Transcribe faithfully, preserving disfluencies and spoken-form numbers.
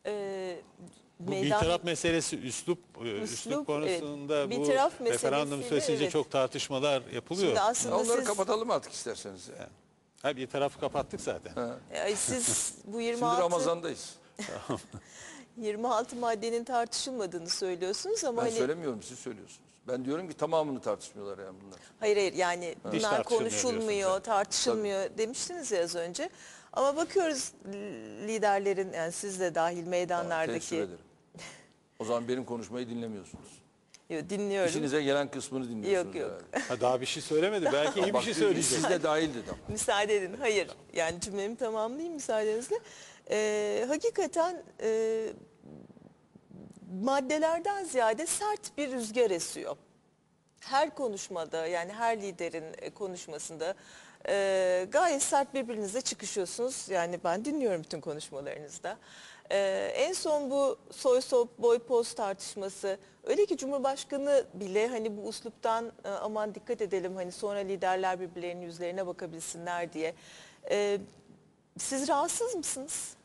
e, Bu meydan... bir meselesi, üslup, üslup, üslup konusunda evet, bu bitiraf referandum süresince evet. çok tartışmalar yapılıyor. Şimdi aslında Onları siz, kapatalım artık isterseniz. Yani. Ha, bir tarafı kapattık zaten. Ha. e, siz bu Şimdi yirmi altı, Ramazan'dayız. yirmi altı maddenin tartışılmadığını söylüyorsunuz ama Ben hani... söylemiyorum, siz söylüyorsunuz. Ben diyorum ki tamamını tartışmıyorlar yani bunlar. Hayır hayır yani Hiç bunlar tartışılmıyor konuşulmuyor, diyorsunuz. tartışılmıyor demiştiniz ya az önce. Ama bakıyoruz liderlerin, yani siz de dahil Teessüf meydanlardaki... ederim. O zaman benim konuşmayı dinlemiyorsunuz. Yo, dinliyorum. İşinize gelen kısmını dinliyorsunuz. Yok, yok. herhalde. Ha, daha bir şey söylemedi. Belki iyi bir Bak, şey söyleyecek. siz de dahil dedim. Müsaade edin. Hayır. Yani cümlemi tamamlayayım müsaadenizle. Ee, hakikaten e, maddelerden ziyade sert bir rüzgar esiyor. Her konuşmada, yani her liderin e, konuşmasında e, gayet sert birbirinize çıkışıyorsunuz. Yani ben dinliyorum bütün konuşmalarınızda. E, en son bu soy sop boy poz tartışması, öyle ki Cumhurbaşkanı bile hani bu usluptan e, aman dikkat edelim, hani sonra liderler birbirlerinin yüzlerine bakabilsinler diye. E, siz rahatsız mısınız?